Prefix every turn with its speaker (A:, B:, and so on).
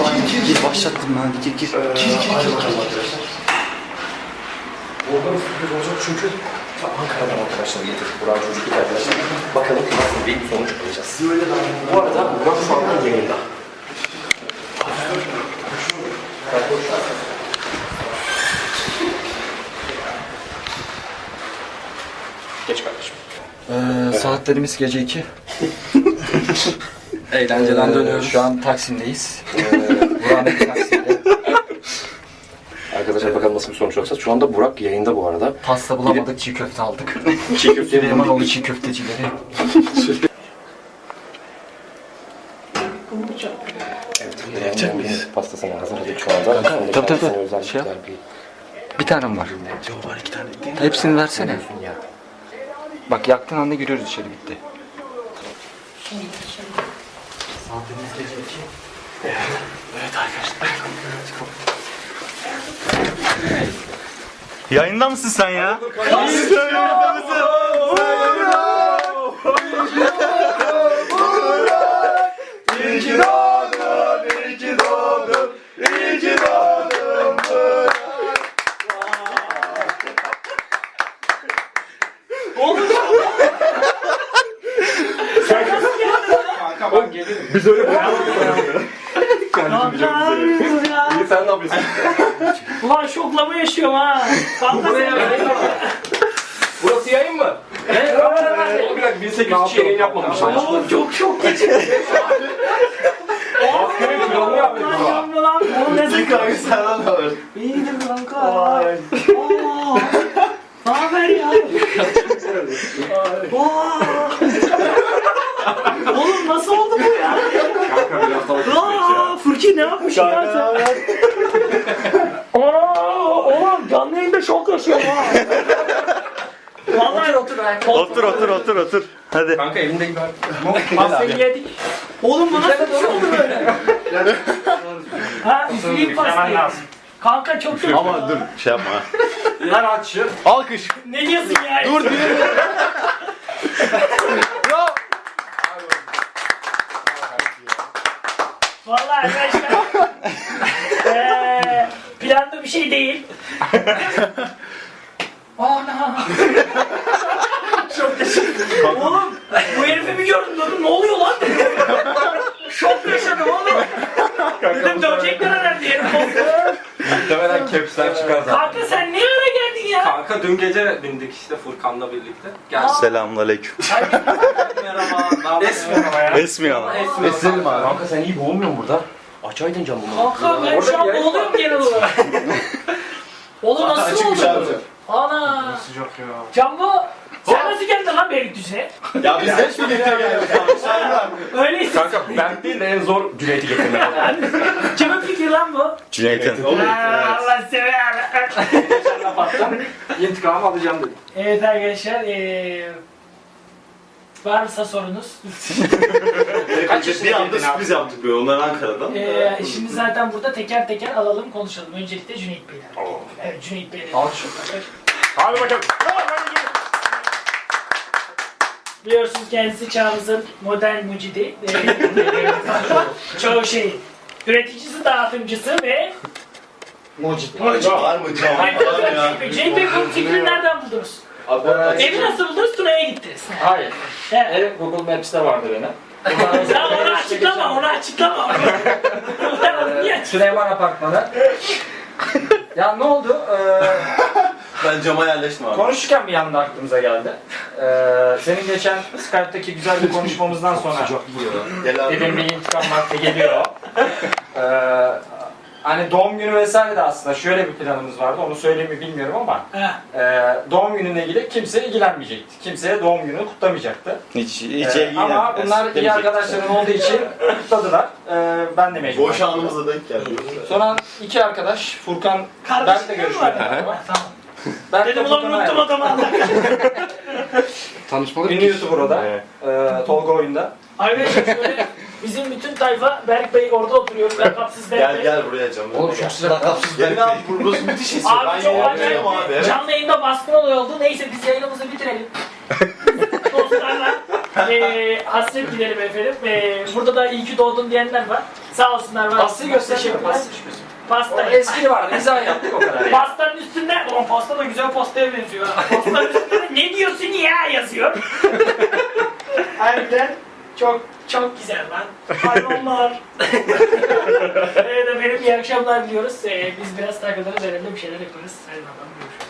A: Gir başlattım ben. Gir.
B: Oradan sürpriz olacak çünkü Ankara'dan arkadaşlar getirdik. Burak çocukluk arkadaşlar. Bakalım nasıl bir sonuç alacağız. Bu arada Burak şu anda yayında. Geç kardeşim.
A: Saatlerimiz gece 2. Eğlenceden dönüyoruz. Şu an Taksim'deyiz. Burak'ın Taksim'de.
B: Arkadaşlar bakalım nasıl bir sonuç olacak. Şu anda Burak yayında bu arada.
A: Pasta bulamadık, çiğ köfte aldık.
B: Çiğ köfte
A: Süleymanoğlu çiğ köftecileri.
B: Yiyecek miyiz? Pastasını hazırladık şu anda.
A: Tabii. Şey yap. Bir tanem var.
B: Cevap var 2 tane.
A: Hepsini versene.
B: Ya.
A: Bak yaktığın anda giriyoruz içeri, bitti. Saatlerimiz gece 2.
B: Evet arkadaşlar.
C: Yayında mısın sen ya?
B: Biz öyle İyi sen ne yapıyorsun?
D: Ulan şoklama yaşıyorum ha.
B: Burası yayın mı? Evet. Bir dakika 1800 yayın yapmamışlar.
D: Oğlum çok geçirdim.
B: Askerin planını yaptık bu.
D: Lan oğlum ne sıkı.
C: Kanka senden de var.
D: İyidir kanka. Aa. Ne haber ya? Oğlum nasıl oldu bu ya?
B: Kanka bir haftalık
D: Furki ne yapmış ya sen? Oğlum canlı yayında şok yaşıyorum ha. Vallahi
C: Otur. Hadi.
B: Kanka elimde gibi.
D: pastayı yedik. Oğlum bu nasıl bir şey oldu böyle? Ha üfleyeyim pastayı. Kanka çok kötü.
C: Ama dur şey yapma.
B: Lan açıyor.
C: Alkış.
D: Ne diyorsun ya?
C: Dur diye.
D: Vallahi arkadaşlar. Planda bir şey değil. Ana. Çok teşekkür. Oğlum bu herifi bir gördüm dedim ne oluyor lan dedim. Şok yaşadım oğlum. Dedim dövecekler herhalde herif.
B: Muhtemelen kepsler çıkar zaten.
D: Kanka sen niye öyle geldin ya?
B: Kanka dün gece bindik işte Furkan'la birlikte. Gel.
C: Selamünaleyküm.
B: Merhaba. Esmiyor.
C: Esmiyor ama.
B: Esnelim abi. Kanka sen iyi boğulmuyor musun burada? Açaydın camını.
D: Kanka ben şu an boğuluyorum genel olarak. Oğlum nasıl oldu? Ana.
B: Sıcak ya.
D: Cambo sen nasıl geldin lan Beylikdüzü'ne?
C: Ya biz hep birlikte geldik abi.
D: Öyleyse.
B: Kanka ben değil de en zor Cüneyt'i getirdim.
D: Kimin fikri lan bu?
C: Cüneyt'in.
D: Allah sever.
B: İntikamı alacağım dedim.
D: Evet arkadaşlar, varsa sorunuz.
C: Bir anda sürpriz yaptık böyle onlar Ankara'dan.
D: Şimdi zaten burada teker teker alalım konuşalım. Öncelikle Cüneyt Bey'den. Evet Cüneyt Bey'den.
B: Alkış. Hadi bakalım.
D: Biliyorsunuz kendisi çağımızın modern mucidi. Çoğu şey. Üreticisi, dağıtımcısı ve
C: Mucit. Var mı?
D: Cüneyt Bey bu fikrini nereden buldunuz? Evi nasıl buldunuz? Tuna'ya gittiniz.
E: Hayır.
D: Evet.
E: Ev Google Maps'te vardı benim.
D: Ya onu açıklama, onu açıklama. Niye?
E: Süleyman Apartmanı. Ya ne oldu?
C: Ben cama yerleştim abi.
E: Konuşurken bir anda aklımıza geldi. Senin geçen Skype'daki güzel bir konuşmamızdan sonra
C: Gel abi.
E: dedim bir intikam vakti geliyor. Hani doğum günü vesaire de aslında şöyle bir planımız vardı. Onu söyleyeyim mi bilmiyorum ama doğum gününe ilgili kimse ilgilenmeyecekti. Kimseye doğum gününü kutlamayacaktı.
C: Hiç
E: Ama bunlar iyi arkadaşların olduğu için kutladılar. Ben de mecbur.
C: Boş anımıza denk geldi.
E: Sonra iki arkadaş Furkan Berk'le görüşmeye
D: Tamam.
E: Ben
D: Dedim ulan unuttum adamı.
B: Tanışmalık.
E: Ünlü YouTuber o da. Tolga Oyun'da.
D: Arkadaşlar şöyle bizim bütün tayfa Berk Bey orada oturuyor. Lakapsız Berk Bey.
C: Gel buraya cam.
B: Oğlum çok sıcak.
C: Gelin abi burası müthiş esiyor.
D: Abi çok acayip
C: abi.
D: canlı yayında baskın olay oldu. Neyse biz yayınımızı bitirelim. Dostlarla Hasret gidelim efendim. Burada da iyi ki doğdun diyenler var. Sağ olsunlar var.
E: Pastayı göster.
D: Teşekkürler.
E: Pasta.
D: Pasta.
E: O espri vardı. Mizah yaptık o kadar. Yani.
D: Pastanın üstünde, o pasta da güzel pastaya benziyor. Pastanın üstünde ne diyorsun ya yazıyor. Harbiden çok güzel lan. Hayvanlar. Evet efendim iyi akşamlar diliyoruz. Biz biraz takılırız, önemli bir şeyler yaparız. Hadi bakalım görüşürüz.